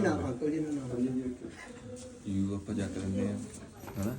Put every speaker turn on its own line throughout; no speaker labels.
ਨਾ ਅੰਕਲ ਜੀ ਨਾ
ਯੂ ਆਪਾਂ ਜੱਟ ਲੈਂਦੇ ਆ ਹਨਾ।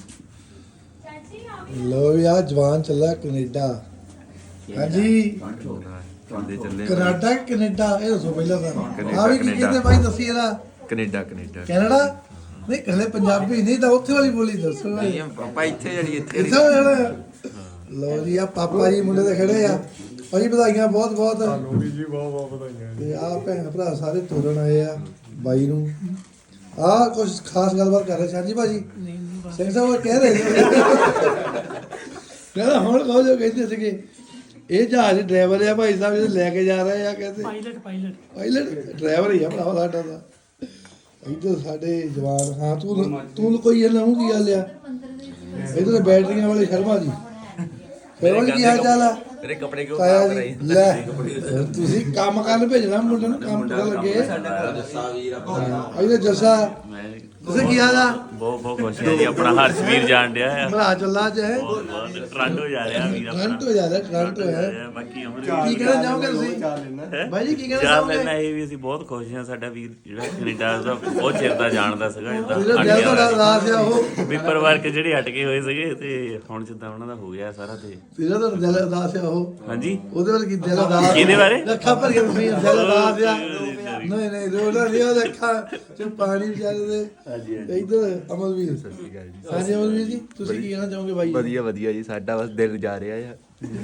ਲੋ ਵੀ ਆ ਜਵਾਨ ਚੱਲਾ ਕੈਨੇਡਾ। ਹਾਂਜੀ
ਚੱਲਦੇ ਚੱਲੇ
ਕੈਨੇਡਾ ਕੈਨੇਡਾ ਇਹ ਦੱਸੋ ਪਹਿਲਾਂ ਤਾਂ ਆ ਵੀ ਕੀ
ਕੈਨੇਡਾ।
ਕਹਿੰਦੇ ਬਾਈ ਦੱਸੀ ਇਹਦਾ
ਕੈਨੇਡਾ
ਕੈਨੇਡਾ ਨਹੀਂ ਹਲੇ ਪੰਜਾਬੀ ਨਹੀਂ ਤਾਂ ਉੱਥੇ ਵਾਲੀ ਬੋਲੀ ਦੱਸੋ
ਨਹੀਂ ਆਪਾਂ ਇੱਥੇ ਜਿਹੜੀ ਇੱਥੇ
ਇੱਥੇ ਜਾਣਾ ਲੋ ਜੀ ਆ ਪਾਪਾ ਜੀ ਮੁੰਡੇ ਦੇ ਖੜੇ ਆ ਭਾਜੀ ਵਧਾਈਆਂ ਬਹੁਤ ਬਹੁਤ
ਲੋੜੀ ਜੀ ਬਹੁਤ ਬਹੁਤ ਵਧਾਈਆਂ
ਤੇ ਆ ਭੈਣ ਭਰਾ ਸਾਰੇ ਤੋਰਨ ਆਏ ਆ ਬਾਈ ਨੂੰ ਆ ਕੁਝ ਖਾਸ ਗੱਲਬਾਤ ਕਰ ਰਹੇ ਸੀ ਹਾਂਜੀ ਭਾਜੀ ਸਿੰਘ ਸਾਹਿਬ ਕਹਿ ਰਹੇ ਸੀ ਕਹਿੰਦਾ ਹੁਣ ਕਹੋ ਜੋ ਕਹਿੰਦੇ ਸੀਗੇ ਇਹ ਜਹਾਜ਼ ਡਰਾਈਵਰ ਆ ਭਾਈ ਸਾਹਿਬ ਜਿਹੜੇ ਲੈ ਕੇ ਜਾ ਰਹੇ ਆ ਕਹਿੰਦੇ ਪਾਇਲਟ ਡਰਾਈਵਰ ਹੀ ਆ ਭਰਾ ਸਾਡਾ ਦਾ ਇੱਧਰ ਸਾਡੇ ਜਵਾਨ ਹਾਂ ਤੂੰ ਕੋਈ ਇਹਨਾਂ ਨੂੰ ਕੀ ਗੱਲ ਆ ਇੱਧਰ ਬੈਟਰੀਆਂ ਵਾਲੇ ਸ਼ਰਮਾ ਜੀ ਕੀ ਹਾਲ ਚਾਲ ਆ
ਤੇਰੇ ਕੱਪੜੇ ਕਿਉਂ
ਤਾਇਆ
ਖਰਾਬ
ਜੀ
ਕਰਾਈ
ਲੈ ਤੁਸੀਂ ਕੰਮ ਕਰਨ ਭੇਜਣਾ ਮੁੰਡੇ ਨੂੰ ਕੰਮ ਕਰਨ ਲੱਗੇ
ਜੱਸਾ ਵੀਰ
ਇਹਦੇ ਜੱਸਾ ਤੁਸੀਂ ਕੀ ਹਾਲ ਆ
ਬਹੁਤ ਖੁਸ਼ ਹਾਂ ਜੀ ਆਪਣਾ ਹਰਸ਼ਵੀਰ ਜਾਣ ਡਿਆ ਆ
ਭਰਾ ਚੱਲਾ ਚ ਹੈ
ਬਹੁਤ ਟ੍ਰਾਂਟੋ ਜਾ ਰਿਹਾ ਵੀਰ ਆਪਣਾ
ਟ੍ਰਾਂਟੋ ਜਾ ਰਿਹਾ ਟ੍ਰਾਂਟੋ ਹੈ
ਬਾਕੀ ਅਮਰ
ਕੀ ਕਹਿਣਾ ਚਾਹੋਗੇ ਤੁਸੀਂ ਬਾਈ ਜੀ ਕੀ ਕਹਿਣਾ
ਚਾਹ
ਚਾਹੋਗੇ
ਲੈਣਾ ਇਹ ਵੀ ਅਸੀਂ ਬਹੁਤ ਖੁਸ਼ ਹਾਂ ਸਾਡਾ ਵੀਰ ਜਿਹੜਾ ਕੈਨੇਡਾ ਦਾ ਬਹੁਤ ਚਿਰ ਦਾ ਜਾਣਦਾ ਸੀਗਾ
ਜਿਹੜਾ ਦਿਲ ਤੁਹਾਡਾ ਉਦਾਸ ਆ ਉਹ
ਪੇਪਰ ਵਰਕ ਜਿਹੜੇ ਹਟਕੇ ਹੋਏ ਸੀਗੇ ਤੇ ਹੁਣ ਜਿੱਦਾਂ ਉਹਨਾਂ ਦਾ ਹੋ ਗਿਆ ਸਾਰਾ ਤੇ
ਜਿਹੜਾ ਤੁਹਾਡਾ ਦਿਲ ਉਦਾਸ ਆ ਉਹ
ਹਾਂਜੀ
ਉਹਦੇ ਬਾਰੇ ਕੀ ਦਿਲ ਉਦਾਸ
ਕਿਹਦੇ ਬਾਰੇ?
ਅੱਖਾਂ ਭਰ ਕੇ ਤੁਸੀਂ ਦਿਲ ਉਦਾਸ ਆ ਨਹੀਂ ਰੋਣਾ ਨਹੀਂ ਉਹ ਅੱਖਾਂ ਚ ਪਾਣੀ ਵਿਚਾਰੇ ਦੇ ਹਾਂਜੀ ਇੱਧਰ ਅਮਲਵੀਰ ਹਾਂਜੀ ਅਮਲਵੀਰ ਜੀ ਤੁਸੀਂ ਕੀ ਕਹਿਣਾ ਚਾਹੋਗੇ ਬਾਈ
ਵਧੀਆ ਵਧੀਆ ਜੀ ਸਾਡਾ ਬਸ ਦਿਲ ਜਾ ਰਿਹਾ ਆ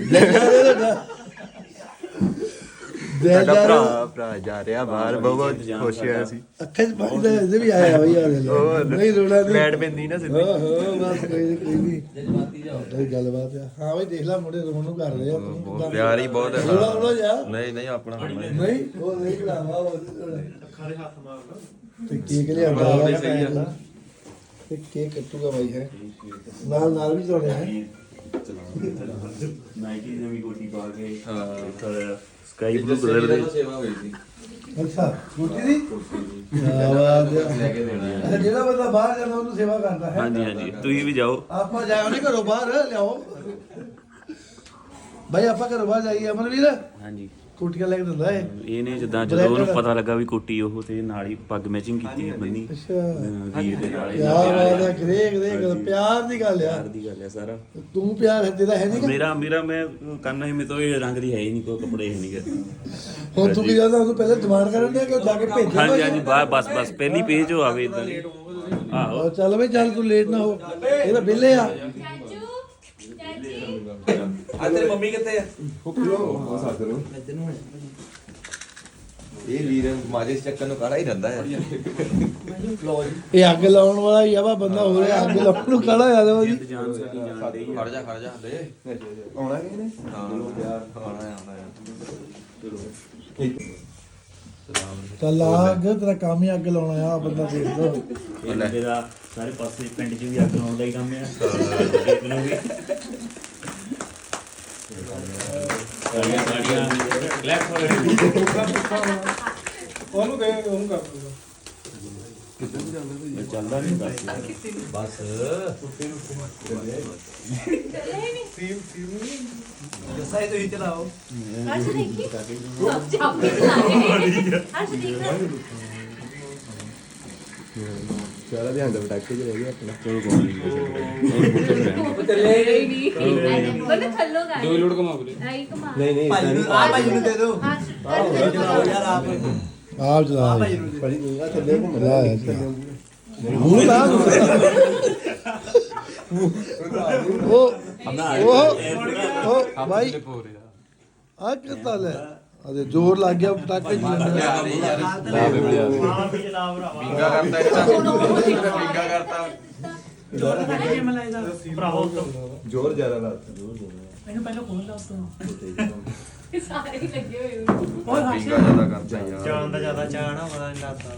ਦਿਲ
ਸਾਡਾ
ਜਾ ਰਿਹਾ
ਭਰਾ ਜਾ ਰਿਹਾ ਬਾਹਰ ਬਹੁਤ ਖੁਸ਼ ਹੋਇਆ ਸੀ
ਅੱਖਾਂ ਚ ਪਾਣੀ ਤਾਂ ਇਹਦੇ ਵੀ ਆਇਆ ਬਈ ਆ ਨਹੀਂ ਰੋਣਾ ਨਹੀਂ
ਲੈਟ ਪੈਂਦੀ ਨਾ ਸਿੱਧੀ
ਬਸ ਕੋਈ ਨਹੀਂ ਜਜ਼ਬਾਤੀ ਗੱਲਬਾਤ ਆ ਹਾਂ ਬਈ ਦੇਖ ਲੈ ਮੁੰਡੇ ਰੋਣ ਨੂੰ ਕਰ ਰਹੇ ਆ
ਬਹੁਤ ਪਿਆਰ ਹੀ ਬਹੁਤ ਹੈ
ਰੋਣਾ ਜਾ
ਨਹੀਂ ਆਪਣਾ
ਨਹੀਂ ਉਹ ਨਹੀਂ ਕਰਾਵਾ ਅੱਖਾਂ ਦੇ ਹੱਥ ਮਾਰਨਾ ਤੇ ਕੇਕ ਲਿਆਂਦਾ ਵਾ ਤੇ ਕੇਕ ਕੱਟੂਗਾ ਬਾਈ ਹੈ ਨਾਲ ਵੀ ਚੋਣਿਆ ਹੈ
ਨਾਈਕੀ ਨਵੀਂ ਕੋਟੀ ਪਾ ਕੇ ਸਕਾਈ ਬਲੂ ਕਲਰ ਦੇ
ਸੇਵਾ ਹੋਈ ਸੀ
ਅੱਛਾ ਗੁੱਟੀ ਦੀ
ਲੈ ਕੇ ਦੇਣਾ
ਅੱਛਾ ਜਿਹੜਾ ਬੰਦਾ ਬਾਹਰ ਜਾਂਦਾ ਉਹਨੂੰ ਸੇਵਾ ਕਰਦਾ ਹੈ
ਹਾਂਜੀ ਤੁਸੀਂ ਵੀ ਜਾਓ
ਆਪਾਂ ਜਾਓ ਨਹੀਂ ਘਰੋਂ ਬਾਹਰ ਲਿਆਓ ਬਾਈ ਆਪਾਂ ਘਰੋਂ ਬਾਹਰ ਜਾਈਏ ਅਮਰਵੀਰ
ਹਾਂਜੀ
ਕੋਟੀਆਂ ਲੈ ਕੇ ਦਿੰਦਾ ਏ
ਇਹਨੇ ਜਿੱਦਾਂ ਜਦੋਂ ਉਹਨੂੰ ਪਤਾ ਲੱਗਾ ਵੀ ਕੋਟੀ ਉਹ ਤੇ ਨਾਲ ਹੀ ਪੱਗ ਮੈਚਿੰਗ ਕੀਤੀ ਬੰਨੀ
ਅੱਛਾ
ਵੀਰ ਦੇ ਨਾਲ
ਯਾਰ ਬਾਤ ਹੈ ਗ੍ਰੇਕ ਪਿਆਰ ਦੀ ਗੱਲ ਆ
ਦੀ ਗੱਲ ਹੈ ਸਾਰਾ
ਤੂੰ ਪਿਆਰ ਦੇਦਾ ਹੈ ਨਹੀਂ
ਮੇਰਾ ਮੈਂ ਕਰਨਾ ਸੀ ਮੇਰੇ ਤੋਂ ਇਹ ਰੰਗ ਦੀ ਹੈ ਹੀ ਨਹੀਂ ਕੋਈ ਕੱਪੜੇ ਹੈ ਨਹੀਂ ਗੇ
ਹੁਣ ਤੂੰ ਕੀ ਜਾਂਦਾ ਉਹਨੂੰ ਪਹਿਲੇ ਡਿਮਾਂਡ ਕਰਨ ਦੇ ਕਿ ਜਾ ਕੇ ਭੇਜਿਆ
ਹਾਂਜੀ ਬਸ ਪਹਿਲੀ ਪੇਜ ਹੋ ਆਵੇ ਇਦਾਂ ਆਹੋ
ਚੱਲ ਬਈ ਚੱਲ ਤੂੰ ਲੇਟ ਨਾ ਹੋ ਇਹ ਤਾਂ ਵਿਹਲੇ ਆ
ਆ ਤੇਰੀ ਮੰਮੀ ਕਿੱਥੇ ਆ ਇਹ ਵੀਰ ਮਾਜਿਸ ਚੱਕਰ ਨੂੰ ਕਾਲਾ ਹੀ ਰਹਿੰਦਾ ਹੈ
ਇਹ ਅੱਗ ਲਾਉਣ ਵਾਲਾ ਹੀ ਆ ਵਾ ਬੰਦਾ ਹੋ ਰਿਹਾ ਅੱਗ ਲਾਉਣ ਨੂੰ ਖੜਾ ਆ ਜਾ ਜੀ
ਜਾਨ ਸਾਡੀ ਜਾਨ ਦੇ
ਖੜ ਜਾ ਦੇ ਆਉਣਾ ਕਿ ਨੇ ਹਾਂ ਯਾਰ ਆਉਣਾ
ਚੱਲ ਆ ਅੱਗ ਤੇਰਾ ਕੰਮ ਹੀ ਅੱਗ ਲਾਉਣਾ ਆ ਬੰਦਾ ਦੇਖ ਲੋ
ਮੇਰਾ ਸਾਰੇ ਪਾਸੇ ਪਿੰਡ 'ਚ ਵੀ ਅੱਗ ਲਾਉਣ ਦਾ ਹੀ ਕੰਮ ਆ ਦੇਖ ਨੂੰ ਵੀ ਸਾਰੀਆਂ ਕਲੈਪ ਹੋ ਰਹੀ
ਉਹਨੂੰ ਦੇ ਉਹਨੂੰ ਕਰ ਦੂੰਗਾ
ਚੱਲਦਾ ਨਹੀਂ ਬਸ
ਜੱਸਾ ਇਹ ਤੁਸੀਂ ਚਲਾਓ
ਹਰਸ਼ ਦੇਖੀ ਸਭ ਚਾਪੀ ਲਾਏ ਹਰਸ਼ ਦੇਖ
ਸਾਰਾ ਧਿਆਨ ਦਾ ਪਟਾਕੇ ਚ ਰਹਿ ਗਿਆ ਆਪਣਾ
ਚਲੋ ਕੋਈ ਨਹੀਂ
ਚੱਲੇ ਨਹੀਂ ਬੰਦੇ ਥੱਲੋਂ ਗਾਏ
ਦੋ ਲੋਡ ਕਮਾ ਬਲੇ
ਆਈ ਕਮਾ
ਨਹੀਂ
ਭਾਈ ਨੂੰ ਆ ਭਾਈ ਨੂੰ ਦੇ ਦਿਓ
ਹਰਸ਼
ਚਲਾਓ ਯਾਰ ਆਪ
ਆਪ ਚਲਾ
ਭਾਈ ਨੂੰ ਦੇ
ਭਾਈ ਤੂੰ ਆ ਥੱਲੇ ਘੁੰਮ
ਮੂੰਹ ਲਾ ਉਹ ਭਾਈ ਆ ਕਿੱਤਾ ਲੈ ਅਦੇ ਜ਼ੋਰ ਲੱਗ ਗਿਆ ਪਟਾਕੇ
ਬਿੰਗਾ ਕਰਤਾ ਇਹਦਾ ਬਿੰਗਾ ਕਰਤਾ ਜ਼ੋਰ ਜ਼ਿਆਦਾ ਲਾਤਾ
ਸਾਰੇ ਲੱਗੇ ਹੋਏ
ਬਿੰਗਾ ਜ਼ਿਆਦਾ ਕਰਤਾ ਯਾਰ
ਚਾਣ ਦਾ ਜ਼ਿਆਦਾ ਚਾਣ ਆ ਪਤਾ ਨਹੀਂ ਲੱਗਦਾ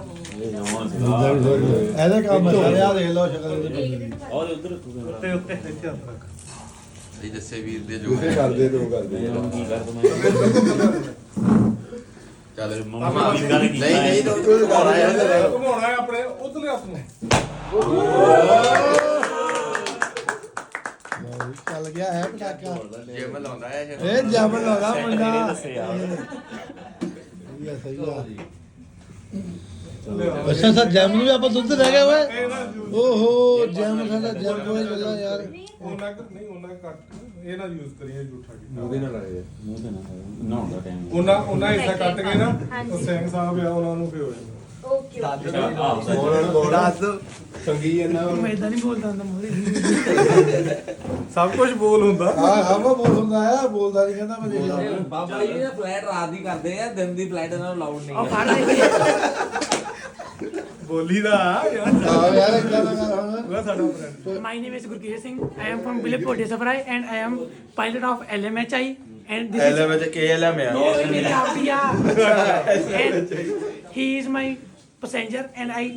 ਇਹਦਾ ਕੰਮ ਸਾਰੇ ਆ ਦੇਖ ਲਓ ਸ਼ਕਲ ਦੇ
ਔਰ ਉਧਰ
ਉੱਤੇ ਇੱਥੇ ਹੱਥ ਰੱਖ
ਇਹ ਜੱਸੇ ਵੀਰ ਦੇ ਜੋ ਕਰਦੇ ਦੋ ਕਰਦੇ
ਕੀ ਕਰ ਦਵਾਂ
ਚੱਲ
ਮੰਮਾ ਦੀ ਗੱਲ ਕੀ
ਨਹੀਂ ਤੂੰ ਘੁਮਾਉਣਾ ਯਾਰ
ਘੁਮਾਉਣਾ ਹੈ ਆਪਣੇ ਉਧਰਲੇ ਹੱਥ ਨੂੰ
ਚੱਲ ਗਿਆ ਹੈ ਪਟਾਕਾ
ਜਿਮ ਲਾਉਂਦਾ ਹੈ
ਇਹ ਜਮਨ ਲਾਉਂਦਾ ਮੁੰਡਾ
ਦੱਸੇ ਯਾਰ
ਸਹੀ ਆ ਸਹੀ ਆ ਅੱਛਾ ਸਰ ਜੈਮ ਨੂੰ ਵੀ ਆਪਾਂ ਦੁੱਧ ਰਹਿ ਗਿਆ ਓਏ ਓਹੋ ਜੈਮ ਸਾਡਾ ਜੈਮ ਕੋਈ ਗੱਲਾਂ ਯਾਰ
ਉਹਨਾਂ ਨਹੀਂ ਉਹਨਾਂ ਕੱਟ ਇਹ ਨਾ ਯੂਜ਼ ਕਰੀਏ ਝੂਠਾ ਕੀਤਾ
ਉਹਦੇ ਨਾਲ ਆਏ ਆ।
ਮੂੰਹ ਤੇ ਨਾ ਨਹਾਉਣ ਦਾ ਟਾਈਮ
ਉਹਨਾਂ ਹਿੱਸਾ ਕੱਟ ਕੇ ਨਾ
ਹਾਂਜੀ।
ਉਹ ਸਿੰਘ ਸਾਹਿਬ ਆ ਉਹਨਾਂ ਨੂੰ ਭਿਓ ਜਾਂਦਾ
ਓਕੇ
ਦੱਸ ਦੋ
ਸੰਗੀ ਇਹਨਾਂ ਨੂੰ
ਮੈਂ ਇਦਾਂ ਨਹੀਂ ਬੋਲਦਾ ਹੁੰਦਾ ਮੋਰੇ
ਸਭ ਕੁਝ ਬੋਲ ਹੁੰਦਾ
ਹਾਂ ਹਾਂ ਉਹ ਬੋਲ ਹੁੰਦਾ ਆ ਬੋਲਦਾ ਨਹੀਂ ਕਹਿੰਦਾ ਮੈਂ ਦੇਖ
ਬਾਬਾ ਜੀ ਨੇ ਫਲਾਈਟ ਰਾਤ ਦੀ ਕਰਦੇ ਆ ਦਿਨ ਦੀ ਫਲਾਈਟ ਇਹਨਾਂ ਨੂੰ ਲਾਉਡ ਨਹੀਂ
ਉਹ
ਹੈ
ਫੜ ਲੈ
ਬੋਲੀ ਦਾ ਯਾਰ
ਹਾਂ ਯਾਰ ਇਦਾਂ ਦਾ ਕਰ ਹੁਣ
ਉਹ ਸਾਡਾ friend
My name is Gurkesh Singh. I am from Bilipur, Desafrai, and I am pilot of LMHI. And this is
ਵਿੱਚ KLM ਆ
no in India. And he is my passenger, and I.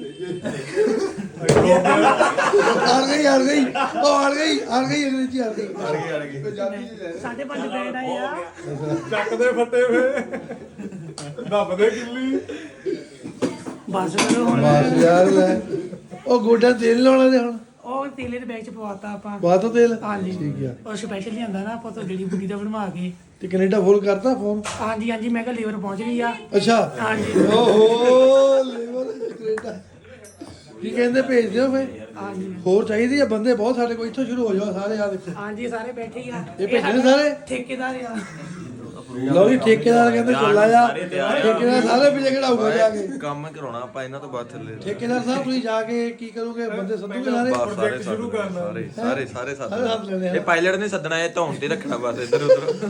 ਅੜ ਗਈ ਅੰਗਰੇਜ਼ੀ ਅੜ ਗਈ
ਸਾਡੇ ਪੰਜ band ਆਏ ਆ
ਚੱਕਦੇ ਫੱਟੇ ਵੇ ਦੱਬਦੇ ਕਿੱਲੀ
ਬਸ ਕਰੋ ਹੁਣ
ਬਸ ਯਾਰ ਲੈ ਉਹ ਗੋਡਿਆਂ ਤੇਲ ਲਾਉਣਾ ਤੇ ਹੁਣ
ਉਹ ਤੇਲੇ ਦੇ ਬੈਗ ਚ ਪਵਾਤਾ ਆਪਾਂ
ਬਾਤੋਂ ਤੇਲ
ਹਾਂਜੀ
ਠੀਕ ਆ
ਉਹ ਸਪੈਸ਼ਲ ਲਿਆਂਦਾ ਨਾ ਆਪਾਂ ਤੋਂ ਜਿਹੜੀ ਬੁੱਢੀ ਦਾ ਬਣਵਾ ਕੇ
ਤੇ ਕੈਨੇਡਾ ਫੋਨ ਕਰਤਾ ਫੋਨ
ਹਾਂਜੀ ਹਾਂਜੀ ਮੈਂ ਕਿਹਾ ਲੀਵਰ ਪਹੁੰਚ ਗਈ ਆ
ਅੱਛਾ
ਹਾਂਜੀ
ਓਹੋ ਲੇਵਰ ਕੈਨੇਡਾ ਕੀ ਕਹਿੰਦੇ ਭੇਜ ਦਿਓ ਫੇ
ਹਾਂਜੀ
ਹੋਰ ਚਾਹੀਦੀ ਆ ਬੰਦੇ ਬਹੁਤ ਸਾਡੇ ਕੋਲ ਇੱਥੋਂ ਸ਼ੁਰੂ ਹੋ ਜਾਓ ਸਾਰੇ ਆ ਦੇਖੋ
ਹਾਂਜੀ ਸਾਰੇ ਬੈਠੇ ਹੀ ਆ
ਇਹ ਭੇਜਣੇ ਸਾਰੇ
ਠੇਕੇਦਾਰ ਆ
ਲਓ ਜੀ ਠੇਕੇਦਾਰ ਕਹਿੰਦੇ ਚੱਲਾ ਜਾ ਠੇਕੇਦਾਰ ਸਾਰੇ ਪਿੱਛੇ ਖੜਾਊਗਾ ਜਾ ਕੇ
ਕੰਮ ਕਰਾਉਣਾ ਆਪਾਂ ਇਹਨਾਂ ਤੋਂ ਬਾਅਦ ਥੱਲੇ
ਠੇਕੇਦਾਰ ਸਾਹਿਬ ਤੁਸੀਂ ਜਾ ਕੇ ਕੀ ਕਰੋਗੇ ਬੰਦੇ ਸੱਦੂਗੇ ਸਾਰੇ
ਬਸ ਸਾਰੇ
ਸ਼ੁਰੂ ਕਰਨਾ।
ਸਾਰੇ
ਸਾਰੇ ਸੱਦ ਲੈਣੇ ਆ।
ਇਹ ਪਾਇਲਟ ਨੇ ਸੱਦਣਾ ਇਹ ਧੌਣ ਤੇ ਰੱਖਣਾ ਬਸ ਇੱਧਰ ਉੱਧਰ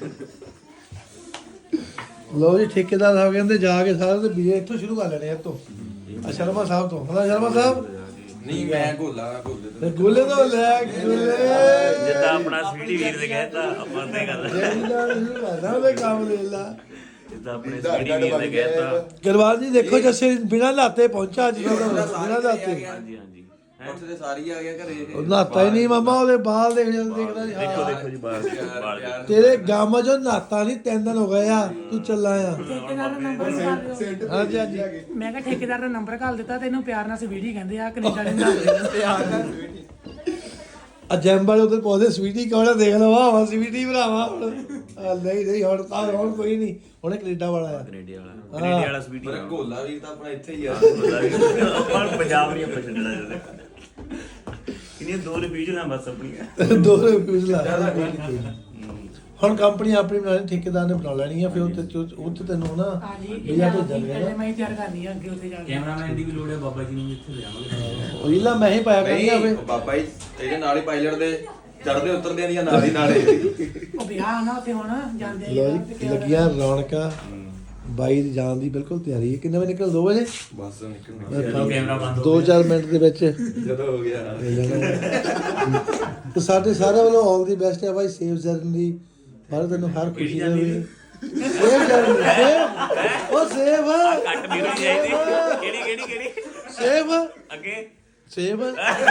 ਲਓ ਜੀ ਠੇਕੇਦਾਰ ਸਾਹਿਬ ਕਹਿੰਦੇ ਜਾ ਕੇ ਸਾਰੇ ਤੇ ਵੀਜ਼ੇ ਇੱਥੋਂ ਸ਼ੁਰੂ ਕਰ ਲੈਣੇ ਆ ਇੱਥੋਂ ਆ ਸ਼ਰਮਾ ਸਾਹਿਬ ਤੋਂ ਹਲਾ ਸ਼ਰਮਾ ਸਾਹਿਬ
ਨਹੀਂ ਮੈਂ ਗੋਲਾ ਗੋਲੇ
ਤੇ ਗੁੱਲੇ ਤੋਂ ਲੈ ਗੁੱਲੇ
ਜਿੱਦਾਂ ਆਪਣਾ ਸਵੀਟੀ ਵੀਰ ਦੇ ਕਹਿਤਾ ਆਪਾਂ ਤੇ ਗੱਲ
ਜਿਹੜਾ ਸ਼ੁਰੂ ਕਰਦਾ ਉਹਦੇ ਕੰਮ ਦੇ ਲਾ
ਜਿੱਦਾਂ ਆਪਣੇ ਸਵੀਟੀ ਵੀਰ ਦੇ ਕਹਿਤਾ
ਗਰਵਾਲ ਜੀ ਦੇਖੋ ਜੱਸੇ ਬਿਨਾਂ ਲਾਤੇ ਪਹੁੰਚਾ ਅੱਜ ਕੱਲ੍ਹ ਬਿਨਾਂ ਲਾਤੇ
ਹਾਂਜੀ ਹਾਂਜੀ
ਉੱਥੇ ਤੇ ਸਾਰੀ ਆ ਗਿਆ ਘਰੇ
ਉਹ ਨਾਤਾ ਹੀ ਨਹੀਂ ਮਾਮਾ ਉਹਦੇ ਬਾਲ ਦੇਖਦਾ ਨਹੀਂ
ਦੇਖੋ ਦੇਖੋ ਜੀ ਬਾਹਰ ਬਾਹਰ
ਤੇਰੇ ਗਾਮਾ ਜੋ ਨਾਤਾ ਨਹੀਂ 3 ਦਿਨ ਹੋ ਗਏ ਆ ਤੂੰ ਚੱਲਾ ਆ
ਠੇਕੇਦਾਰ ਦਾ ਨੰਬਰ ਕਰ ਦਿਓ
ਹਾਂਜੀ ਹਾਂਜੀ
ਮੈਂ ਕਿਹਾ ਠੇਕੇਦਾਰ ਦਾ ਨੰਬਰ ਘੱਲ ਦਿੱਤਾ ਤੇ ਇਹਨੂੰ ਪਿਆਰ ਨਾਲ ਸਵੀਟੀ ਕਹਿੰਦੇ ਆ ਕੈਨੇਡਾ ਦੇ ਨਾਲ
ਆ ਜੈਮ ਵਾਲੇ ਉਧਰ ਪੌਦੇ ਸਵੀਟੀ ਕੌਣ ਦੇਖ ਲਓ ਵਾਹ ਸਵੀਟੀ ਭਰਾਵਾ ਹੁਣ ਨਹੀਂ ਹੁਣ ਤਾਂ ਹੁਣ ਕੋਈ ਨਹੀਂ ਹੁਣ ਕੈਨੇਡਾ ਵਾਲਾ ਆ
ਕੈਨੇਡਾ ਵਾਲਾ ਸਵੀਟੀ
ਪਰ ਗੋਲਾ ਵੀਰ ਤਾਂ ਆਪਣਾ ਇੱਥੇ ਹੀ ਆ
ਆਪਾਂ ਪੰਜਾਬ ਨਹੀਂ ਆਪਾਂ ਛੱਡਣਾ ਜਦੋਂ ਕਿੰਨੀਆਂ ਦੋ ਰਿਵੀਜ਼ਨਾਂ ਬਸ ਆਪਣੀਆਂ
ਦੋ ਰਿਵਿਊਜ਼ ਲਾ ਹੁਣ ਕੰਪਨੀ ਆਪਣੀ ਬਣਾਣੀ ਠੇਕੇਦਾਰ ਨੇ ਬਣਾ ਲੈਣੀ ਆ ਫਿਰ ਉੱਥੇ ਤੈਨੂੰ ਨਾ
ਹਾਂਜੀ
ਵੀਜ਼ਾ ਭੇਜਾਂਗੇ ਨਾ
ਮੈਂ ਹੀ ਤਿਆਰ ਕਰਨੀ ਆ ਅੱਗੇ ਉੱਥੇ ਜਾ ਕੇ
ਕੈਮਰਾਮੈਨ ਦੀ ਵੀ ਲੋੜ ਹੈ ਬਾਬਾ ਜੀ ਨੂੰ ਇੱਥੇ ਲਿਆਵਾਂਗੇ
ਉਹ ਇਲਾ ਮੈਂ ਹੀ ਪਾਇਆ ਕਰਨੀ ਆ
ਨਹੀਂ
ਫੇ
ਬਾਬਾ ਜੀ ਇਹਦੇ ਨਾਲ ਹੀ ਪਾਇਲਟ ਦੇ ਚੜਦੇ ਉਤਰਦੇ ਦੀਆਂ ਨਾਲ ਹੀ ਨਾਲੇ
ਉਹ ਵਿਆਹ ਨਾ ਉੱਥੇ ਹੁਣ ਜਾਂਦੇ
ਲੋ ਜੀ ਲੱਗੀਆਂ ਰੌਣਕਾਂ ਬਾਈ ਦੀ ਜਾਣ ਦੀ ਬਿਲਕੁਲ ਤਿਆਰੀ ਹੈ ਕਿੰਨੇ ਵਜੇ ਨਿਕਲ 2 ਵਜੇ
ਬਸ ਨਿਕਲ
ਕੈਮਰਾ ਬੰਦ ਹੋ
2-4 ਮਿੰਟ ਦੇ ਵਿੱਚ
ਜਦੋਂ ਹੋ ਗਿਆ
ਤੇ ਸਾਡੇ ਸਾਰਿਆਂ ਵੱਲੋਂ ਆਲ ਦੀ ਬੈਸਟ ਹੈ ਬਾਈ ਸੇਵ ਜਰਨੀ ਪਰ ਤੈਨੂੰ ਹਰ ਖੁਸ਼ੀ ਦੇਵੇ ਸੇਵ ਜਰਨੀ ਸੇਵ ਉਹ ਸੇਵ
ਕੱਟ ਵੀਰ ਚਾਹੀਦੀ ਕਿਹੜੀ
ਸੇਵ
ਅੱਗੇ
ਸੇਵ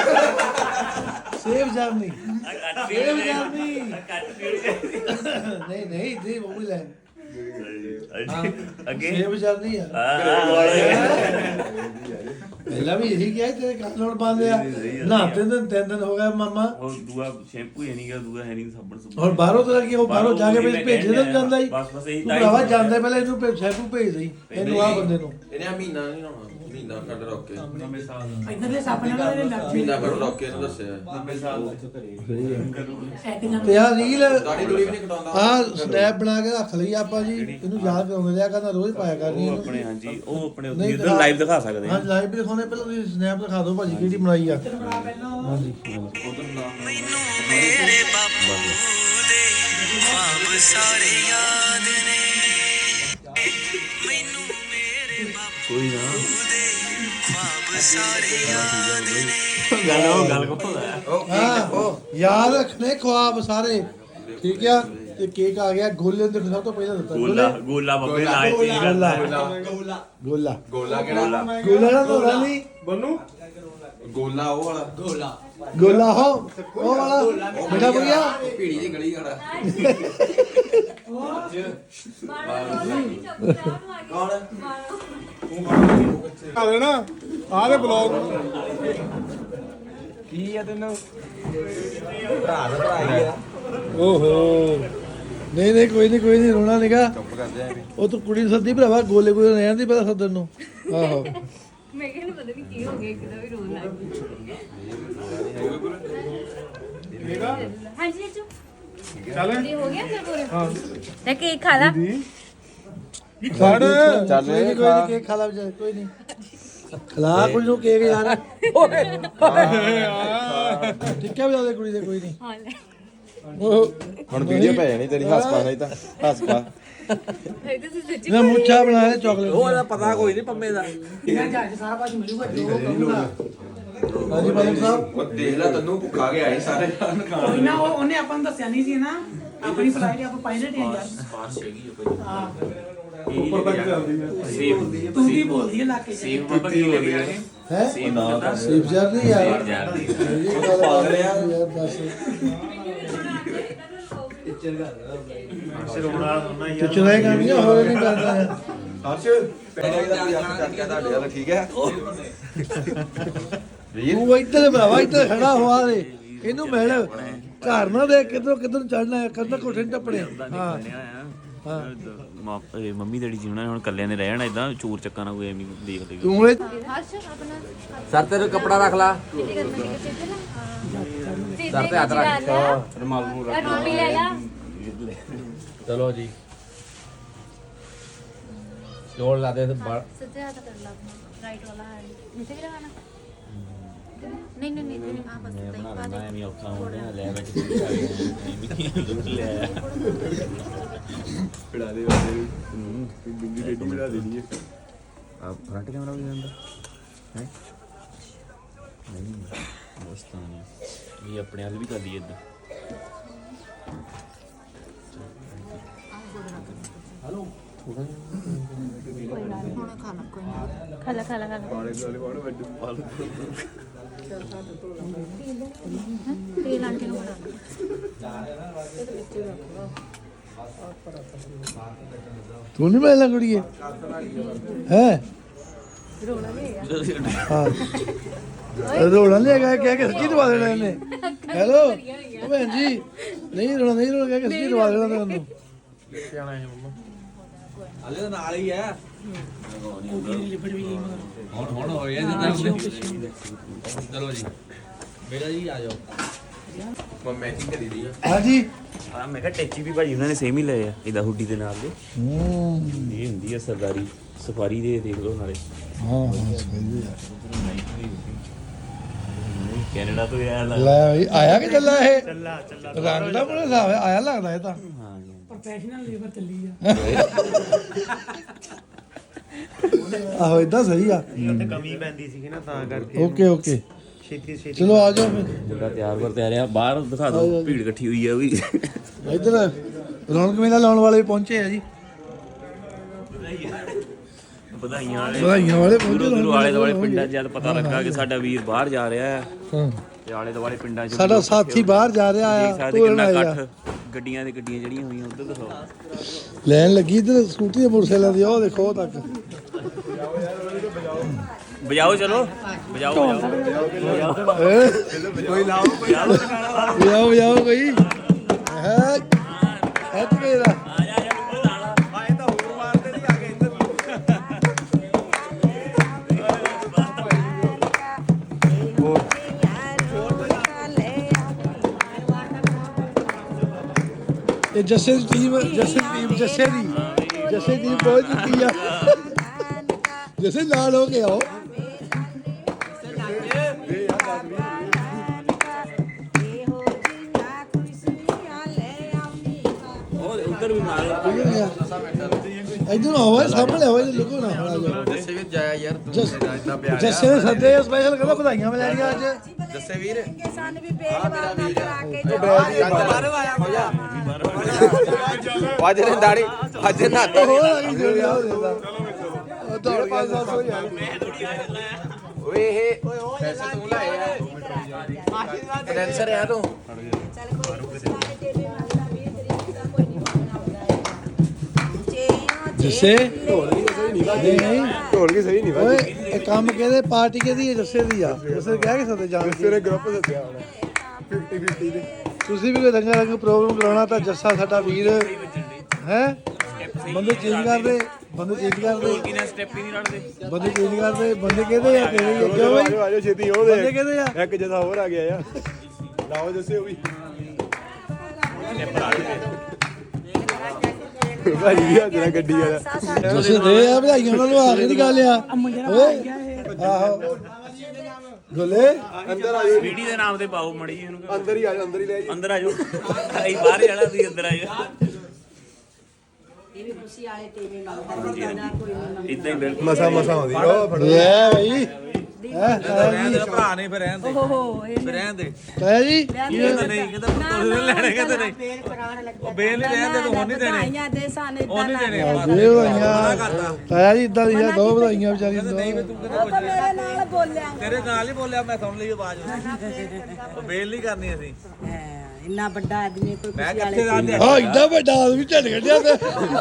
ਸੇਵ ਜਰਨੀ
ਕੱਟ
ਸੇਵ ਜਰਨੀ
ਕੱਟ ਵੀਰ ਚਾਹੀਦੀ
ਨਹੀਂ ਨਹੀਂ ਜੀ ਉਹ ਵੀ ਲੈ
ਅੱਗੇ
ਸੇਵ ਜਰਨੀ ਆ ਪਹਿਲਾਂ ਵੀ ਇਹੀ ਕਿਹਾ ਸੀ, ਤੇਰੇ ਕੰਨ ਹੁਣ ਬੰਦ ਆ ਨਾ 3 ਦਿਨ ਹੋ ਗਏ ਮਾਮਾ
ਉਹ ਦੂਆ ਸ਼ੈਂਪੂ ਹੀ ਨਹੀਂ ਗਾ ਦੂਆ ਹੈ ਨਹੀਂ ਸਾਬਣ ਸੁਬਣ
ਹੁਣ ਬਾਹਰੋਂ ਤਾਂ ਕੀ ਉਹ ਬਾਹਰੋਂ ਜਾ ਕੇ ਭੇਜੇ ਤਾਂ ਜਾਂਦਾ ਹੀ
ਬਸ ਇਹੀ
ਤੂੰ ਭਰਾਵਾ ਜਾਂਦਾ ਪਹਿਲਾਂ ਇਹਨੂੰ ਸ਼ੈਂਪੂ ਭੇਜ ਦੇਈ ਇਹਨੂੰ ਆ ਬੰਦੇ ਨੂੰ
ਇਹਨੇ ਆ ਮਹੀਨਾ ਨਹੀਂ ਲਾਉਣਾ ਮਹੀਨਾ ਕੱਢ ਰੋਕ ਕੇ
ਇਧਰਲੇ ਸਾਪਣੇ ਨਾਲ ਇਹਨੇ ਲੱਗ
ਮਹੀਨਾ ਕੱਢ ਰੋਕ ਕੇ ਇਹਨੂੰ ਦੱਸਿਆ
ਤੇ ਆ ਰੀਲ
ਦਾੜੀ ਦੂੜੀ ਵੀ ਨਹੀਂ ਕਟਾਉਂਦਾ
ਆ ਸਨੈਪ ਬਣਾ ਕੇ ਰੱਖ ਲਈ ਆਪਾਂ ਜੀ ਇਹਨੂੰ ਯਾਦ ਕਰਾਉਂਦੇ ਰਿਹਾ ਕਹਿੰਦਾ ਰੋਜ਼ ਪਾਇਆ ਕਰਨੀ
ਉਹ
ਇਹਨੂੰ
ਆਪਣੇ ਹਾਂਜੀ ਉਹ ਆਪਣੇ
ਨਹੀਂ,
ਉੱਥੇ ਲਾਈਵ ਦਿਖਾ ਸਕਦੇ
ਹਾਂ ਲਾਈਵ ਵੀ ਦਿਖਾਉਣੇ ਪਹਿਲਾਂ ਤੁਸੀਂ ਸਨੈਪ ਦਿਖਾ ਦਿਓ ਭਾਜੀ ਕਿਹੜੀ ਬਣਾਈ ਆ ਹਾਂਜੀ
ਮੇਰੇ ਬਾਪੂ ਦੇ ख्वाब सारे याद ने मैनू मेरे बापू दे ख्वाब सारे याद ने
ਗੱਲ ਕੋ
ਹਾਂ ਯਾਦ ਰੱਖਣੇ ਖੁਆਬ ਸਾਰੇ ਠੀਕ ਆ ਤੇ ਕੇਕ ਆ ਗਿਆ ਗੋਲੇ ਦੇ ਸਭ ਤੋਂ ਪਹਿਲਾਂ ਦਿੱਤਾ
ਗੋਲਾ ਬੱਬੇ ਲਾਏ ਸੀ
ਗੋਲਾ
ਗੋਲਾ ਕਿਹੜਾ
ਗੋਲਾ ਨਾ ਤੋੜਾ ਨਹੀਂ
ਬੰਨੂ
ਗੋਲਾ ਉਹ ਵਾਲਾ
ਗੋਲਾ ਹੋ ਉਹ ਵਾਲਾ ਬੇਟਾ ਬੁਗਿਆ
ਭੀੜੀ ਦੀ ਗਲੀ ਵਾਲਾ
ਆ ਲੈਣਾ ਆਹ ਦੇ ਬਲੌਗ
ਓਹੋ ਨਹੀਂ ਕੋਈ ਨਹੀਂ ਰੋਣਾ ਨਿਗਾ
ਚੁੱਪ ਕਰ ਜਾ
ਉਹ ਤੂੰ ਕੁੜੀ ਨੂੰ ਸੱਦੀ ਭਰਾਵਾ ਗੋਲੇ ਰਹਿਣ ਦੀ ਪਹਿਲਾਂ ਸੱਦਣ ਨੂੰ ਆਹੋ
ਮੈਂ ਕਹਿੰਦਾ ਪਤਾ ਨਹੀਂ ਕੀ ਹੋ ਗਿਆ ਕਿਦਾਂ ਵੀ ਰੋਣ ਲੱਗ ਗਈ ਹਾਂਜੀ ਜੀਜੂ
ਚੱਲ
ਜੀ ਹੋ ਗਿਆ ਫਿਰ ਪੂਰਾ ਤੇ ਕੇਕ ਖਾ ਲਾ
ਫੜ
ਚੱਲ
ਕੋਈ ਨਹੀਂ ਕੇਕ ਖਾ ਲਾ ਵਿਚਾਰੇ ਕੋਈ ਨਹੀਂ ਖਲਾ ਕੁੜੀ ਨੂੰ ਕੇਕ ਯਾਰ ਟਿੱਕਾ ਵੀ ਲਾਦੇ ਕੁੜੀ ਦੇ ਕੋਈ ਨਹੀਂ
ਹਾਂ ਲੈ
ਉਹ
ਹੁਣ ਵੀਡੀਓ ਪੈ ਜਾਣੀ ਤੇਰੀ ਹੱਸ ਪਾ ਨਹੀਂ ਤਾਂ ਹੱਸ ਪਾ
ਇਹ ਤਾਂ ਸੱਚੀ
ਨਾ ਮੁੱਛਾ ਬਣਾਇਆ ਚਾਕਲੇਟ
ਉਹਦਾ ਪਤਾ ਕੋਈ ਨਹੀਂ ਪੰਮੇ ਦਾ
ਮੈਂ ਜਹਾਜ਼ ਸਾਰਾ ਕੁਝ ਮਿਲੂਗਾ ਜੋ ਕਹੂੰਗਾ
ਹਾਂਜੀ ਮਾਲਕ ਸਾਹਿਬ
ਉਹ ਦੇਖ ਲੈ ਤੈਨੂੰ ਭੁੱਖਾ ਕੇ ਆਏ ਸਾਰੇ
ਕੋਈ ਨਾ ਉਹਨੇ ਆਪਾਂ ਨੂੰ ਦੱਸਿਆ ਨਹੀਂ ਸੀ ਨਾ ਆਪਣੀ ਫਲਾਈਟ ਆਪਾਂ ਪਾਇਲਟ ਹੈ ਯਾਰ ਹਾਂ
ਉੱਪਰ ਤੱਕ ਚੱਲਦੀ ਹੈ
ਤੂੰ ਕੀ ਬੋਲਦੀ ਹੈ ਲਾਕੇ ਚ
ਹੈ ਸੀਪ ਯਾਰ ਨਹੀਂ ਯਾਰ ਪਾਗਲ ਯਾਰ ਦੱਸ
ਰੋਣ ਵਾਲਾ ਹੁੰਦਾ
ਤੂੰ ਚੁਰਾਏ ਕੰਮ ਨਹੀਂ ਹੋਰ ਨਹੀਂ ਕਰਦਾ ਯਾਰ
ਹਰਸ਼ ਪੈਣਾ ਦਾ ਵੀ ਹੱਥ ਚੱਕ ਕੇ ਤੁਹਾਡੇ ਵਾਲਾ ਠੀਕ ਹੈ
ਤੂੰ ਇੱਧਰ ਭਰਾਵਾ ਇੱਧਰ ਖੜਾ ਹੋਆ ਦੇ ਇਹਨੂੰ ਮਿਲ ਘਰ ਨਾ ਦੇ ਕਿੱਧਰ ਚੜਨਾ ਕਰਨਾ ਕੋਠੇ ਨੂੰ ਟੱਪਣੇ ਹਾਂ ਹਾਂ
ਮੰਮੀ ਡੈਡੀ ਜੀ ਉਹਨਾਂ ਨੇ ਹੁਣ ਕੱਲਿਆਂ ਨੇ ਰਹਿਣਾ ਇਦਾਂ ਚੋਰ ਚੱਕਾ ਨਾ ਕੋਈ ਐਵੇਂ ਦੇਖ ਲੈ
ਤੂੰ ਇਹ
ਹਰਸ਼ ਆਪਣਾ
ਸਰ ਤੇਰੇ ਕੱਪੜਾ ਰੱਖ ਲਾ
ਕਿੱਥੇ ਕਰਨਾ ਕਿੱਥੇ
ਸਰ ਤੇ ਹੱਥ ਰੱਖ
ਰੁਮਾਲ ਨੂੰ ਰੱਖ ਰੋਟੀ ਲੈ ਲਾ
ਚਲੋ ਜੀ ਜੋੜ ਲਾ ਦੇ
ਸੱਜੇ ਹੱਥ ਕਰ ਲਾ ਆਪਣਾ ਰਾਈਟ ਵਾਲਾ ਹੈ ਨੀਚੇ ਵੀ ਲਗਾਣਾ ਨਹੀਂ ਨਹੀਂ ਨਹੀਂ ਆ ਬਸ ਸਹੀ ਪਾ ਦੇ
ਐਵੇਂ ਔਖਾ ਹੋ ਰਿਹਾ ਲੈ ਵਿੱਚ ਐਵੇਂ ਲੈ
ਪਿੜਾ ਦੇ ਵਾਲੇ ਬਿੰਦੀ ਰੇਡੀ ਬਣਾ ਦੇਣੀ ਹੈ
ਆ ਫਰੰਟ ਕੈਮਰਾ ਵੀ ਜਾਂਦਾ ਹੈ ਨਹੀਂ ਦੋਸਤਾਂ ਨੇ ਇਹ ਆਪਣੇ ਵੱਲ ਵੀ ਕਰ ਲਈ ਇਦਾਂ
ਖਾਲਾ ਖਾਲਾ
ਪਾਣੇ ਵਾਲੇ ਪਾਣੇ ਵੱਡ ਪਾਲ
ਤੇਲ ਆਂਟੀ ਨੂੰ ਬਣਾ
ਤੂੰ ਨਹੀਂ ਮਿਲਣਾ ਕੁੜੀਏ ਹੈ ਹਾਂ ਰੋਣਾ ਨਹੀਂ ਹੈਗਾ ਕਹਿ ਕੇ ਸੱਚੀ ਦਵਾ ਦੇਣਾ ਇਹਨੇ ਹੈਲੋ ਉਹ ਭੈਣ ਜੀ ਨਹੀਂ ਰੋਣਾ ਕਹਿ ਕੇ ਸੱਚੀ ਦਵਾ ਦੇਣਾ ਤੁਹਾਨੂੰ
ਹਲੇ ਤਾਂ ਨਾਲ ਹੀ ਹੈ
ਲਿਬੜ ਵੀ ਗਈ ਮਗਰ
ਹੁਣ ਹੋ ਗਿਆ ਜਿੱਦਾਂ ਚਲੋ ਜੀ ਬੇਟਾ ਜੀ ਆ ਜਾਓ
ਮੈਂ ਮੈਚਿੰਗ ਕਰੀ ਦੀ ਆ
ਹਾਂਜੀ
ਆ ਮੈਂ ਕਿਹਾ ਟੈਚੀ ਵੀ ਭਾਜੀ ਉਹਨਾਂ ਨੇ ਸੇਮ ਹੀ ਲਏ ਆ ਇਹਦਾ ਹੁੱਡੀ ਦੇ ਨਾਲ ਦੇ ਇਹ ਹੁੰਦੀ ਆ ਸਰਦਾਰੀ ਸਫਾਰੀ ਦੇ ਦੇਖ ਲਓ ਨਾਲੇ
ਹਾਂ ਸਹੀ ਹੈ
ਕੈਨੇਡਾ ਤੋਂ ਆਇਆ
ਲੈ ਬਈ ਆਇਆ ਕਿ ਚੱਲਾ ਇਹ ਰੰਗ ਦਾ ਬੜਾ ਹਿਸਾਬ ਹੈ ਆਇਆ ਲੱਗਦਾ ਇਹ ਤਾਂ
ਪ੍ਰੋਫੈਸ਼ਨਲ ਲੇਬਰ ਚੱਲੀ ਆ
ਆਹੋ ਇਦਾਂ ਸਹੀ ਆ
ਉੱਥੇ ਕਮੀ ਪੈਂਦੀ ਸੀਗੀ ਨਾ ਤਾਂ ਕਰਕੇ
ਓਕੇ
ਛੇਤੀ
ਚਲੋ ਆ ਜਾਓ ਫਿਰ
ਮੁੰਡਾ ਤਿਆਰ ਆ ਬਾਹਰ ਦਿਖਾ ਦਿਓ ਭੀੜ ਇਕੱਠੀ ਹੋਈ ਆ ਵੀ
ਇੱਧਰ ਰੌਣਕ ਮੇਲਾ ਲਾਉਣ ਵਾਲੇ ਵੀ ਪਹੁੰਚੇ ਆ ਜੀ
ਵਧਾਈਆਂ ਵਾਲੇ
ਵਧਾਈਆਂ ਵਾਲੇ ਪਹੁੰਚੇ
ਦੂਰੋਂ ਆਲੇ ਦੁਆਲੇ ਪਿੰਡਾਂ 'ਚ ਜਦ ਪਤਾ ਲੱਗਾ ਕਿ ਸਾਡਾ ਵੀਰ ਬਾਹਰ ਜਾ ਰਿਹਾ ਹੈ
ਹਾਂ
ਤੇ ਆਲੇ ਦੁਆਲੇ ਪਿੰਡਾਂ 'ਚ
ਸਾਡਾ ਸਾਥੀ ਬਾਹਰ ਜਾ ਰਿਹਾ
ਦੇਖ
ਆ
ਸਕਦੇ
ਤੋਰਨ
ਕਿੰਨਾ
ਆਇਆ
ਇਕੱਠ ਗੱਡੀਆਂ ਦੇ ਗੱਡੀਆਂ ਜਿਹੜੀਆਂ ਹੋਈਆਂ ਉਧਰ ਦਿਖਾਓ
ਲੈਣ ਲੱਗੀ ਇੱਧਰ ਸਕੂਟੀ ਦੇ ਮੋਟਰਸਾਈਕਲਾਂ ਦੀ ਉਹ ਦੇਖੋ ਉਹ ਤੱਕ
ਵਜਾਓ ਚਲੋ ਵਜਾਓ
ਕੋਈ ਲਾਓ
ਵਜਾਓ ਕੋਈ ਹੈ ਐਤ ਮੇਰਾ
ਆਏ ਤਾਂ ਹੋਰ ਮਾਰਦੇ ਨਹੀਂ ਆ ਕੇ ਇੱਧਰ
ਇਹ ਜੱਸੇ ਦੀ ਟੀਮ ਜੱਸੇ ਦੀ ਬਹੁਤ ਜਿੱਤੀ ਆ ਜੱਸੇ ਨਾਲ ਹੋ ਕੇ ਆਓ
ਉਧਰ ਵੀ ਮਾਰੋ
ਇਧਰ ਆਓ ਸਾਹਮਣੇ ਆਓ ਇਹ ਲੁਕੋ ਨਾ ਖੜਾ ਜਾਓ
ਜੱਸੇ ਵੀਰ ਜਾਇਆ ਯਾਰ ਤੂੰ ਇਦਾਂ ਪਿਆਰ
ਜੱਸੇ ਨੇ ਸੱਦੇ ਸਪੈਸ਼ਲ ਕਹਿੰਦਾ ਵਧਾਈਆਂ ਮਿਲਣੀਆਂ ਅੱਜ
ਜੱਸੇ ਵੀਰ
ਸਾਨੂੰ ਵੀ ਬੇਜਵਾਬ ਨਾ ਕਰਾ ਕੇ
ਬਾਹਰੋਂ ਆਇਆ ਹੋ ਜਾ ਅੱਜ ਨੇ ਦਾੜੀ ਅੱਜ ਨਾ
ਹੋਰ ਆ ਗਈ ਜੋੜੀ ਆ ਦੇਦਾ ਉਹ ਦੌੜ ਗਿਆ 500 ਹੋ ਜਾਣਾ
ਓਏ ਇਹ ਪੈਸੇ ਤੂੰ ਲਾਏ ਆ ਕੈਂਸਰ ਆ ਤੂੰ
ਚੱਲ ਕੋਈ ਸਾਰੇ ਟੇਬੇ ਮੰਗਦਾ 20 ਤਰੀਕ ਦਾ ਕੋਈ ਨਹੀਂ ਬਣਾਉਂਦਾ
ਜੱਸੇ ਨਹੀਂ
ਢੋਲ ਕੇ ਸਹੀ ਨਹੀਂ
ਓਏ ਇਹ ਕੰਮ ਕਿਹਦੇ ਪਾਰਟੀ ਕਿਹਦੀ ਹੈ ਜੱਸੇ ਦੀ ਆ ਜੱਸੇ ਕਹਿ ਕੇ ਸੱਦੇ ਜਾਣ
ਤੇਰੇ ਗਰੁੱਪ ਦੱਸਿਆ ਹੁਣ 50-50 ਦੇ
ਤੁਸੀਂ ਵੀ ਕੋਈ ਰੰਗਾ ਰੰਗ ਪ੍ਰੋਗਰਾਮ ਕਰਾਉਣਾ ਤਾਂ ਜੱਸਾ ਸਾਡਾ ਵੀਰ ਹੈ ਬੰਦੇ ਚੇਂਜ ਕਰਦੇ ਬੰਦੇ ਚੇਂਜ ਕਰਦੇ
ਕਿਨੇ ਸਟੈਪ ਹੀ ਨਹੀਂ ਰੜਦੇ
ਬੰਦੇ ਚੇਂਜ ਕਰਦੇ ਬੰਦੇ ਕਹਿੰਦੇ ਆ ਕਿਹੜੇ ਕਿਉਂ ਬਈ
ਆਜੋ ਛੇਤੀ ਉਹ
ਬੰਦੇ ਕਹਿੰਦੇ ਆ
ਇੱਕ ਜਦਾ ਹੋਰ ਆ ਗਿਆ ਯਾਰ ਲਾਓ ਜੱਸੇ ਉਹ ਵੀ ਭਾਈ ਆ ਜਰਾ ਗੱਡੀ ਵਾਲਾ
ਤੁਸੀਂ ਦੇ ਆ ਵਧਾਈਆਂ ਉਹਨਾਂ ਨੂੰ ਆ ਕੇ ਦੀ ਗੱਲ ਆ ਓਏ ਆਹੋ ਗੋਲੇ
ਅੰਦਰ ਆ ਜਾਓ
ਵੀਡੀਓ ਦੇ ਨਾਮ ਤੇ ਪਾਓ ਮੜੀ ਇਹਨੂੰ
ਅੰਦਰ ਹੀ ਆ ਜਾਓ ਅੰਦਰ ਹੀ ਲੈ ਜਾਓ
ਅੰਦਰ ਆ ਜਾਓ ਅਸੀਂ ਬਾਹਰ ਜਾਣਾ ਤੁਸੀਂ ਅੰਦਰ ਆ ਜਾਓ
ਇਹ ਵੀ ਖੁਸ਼ੀ ਵਾਲੇ ਤੇਰੇ ਨਾਲ ਕੋਈ ਨਹੀਂ
ਇਦਾਂ ਹੀ ਬਿਲਕੁਲ
ਮਸਾ ਆਉਂਦੀ ਉਹ ਫੜੋ
ਲੈ ਬਈ
ਰਹਿਣ ਦੇ ਭਰਾ ਨੇ ਫਿਰ ਰਹਿਣ ਦੇ
ਓਹੋ ਇਹ
ਫਿਰ ਰਹਿਣ ਦੇ
ਤਾਇਆ ਜੀ
ਕਹਿੰਦਾ ਨਹੀਂ ਕਹਿੰਦਾ ਪੁੱਤਰ ਲੈਣੇ ਕਹਿੰਦਾ ਨਹੀਂ
ਫੇਰ ਕਰਾਉਣ ਲੱਗਾ
ਉਹ ਬੇਲ ਨਹੀਂ ਰਹਿਣ ਦੇ ਤੂੰ ਹੁਣ ਨਹੀਂ ਦੇਣੇ
ਵਧਾਈਆਂ ਦੇ ਸਾਨੂੰ
ਉਹ ਨਹੀਂ ਦੇਣੇ
ਇਹ ਵਧਾਈਆਂ ਤਾਇਆ ਜੀ ਇਦਾਂ ਦੀਆਂ ਦੋ ਵਧਾਈਆਂ ਵਿਚਾਰੀ ਨੂੰ
ਨਹੀਂ ਤੂੰ ਕਹਿੰਦਾ
ਉਹ ਤਾਂ ਮੇਰੇ ਨਾਲ ਬੋਲਿਆ
ਤੇਰੇ ਨਾਲ ਹੀ ਬੋਲਿਆ ਮੈਂ ਸੁਣ ਲਈ ਆਵਾਜ਼ ਉਹ ਬੇਲ ਨਹੀਂ ਕਰਨੀ ਅਸੀਂ
ਇੰਨਾ ਵੱਡਾ ਆਦਮੀ ਕੋਈ
ਮੈਂ
ਖੁਸ਼ੀ
ਕਿੱਥੇ
ਵਾਲੇ
ਜਾਂਦੇ
ਹਾਂ ਇਦਾਂ ਵੱਡਾ ਆਦਮੀ ਝੜ ਕੱਢਿਆ ਤੇ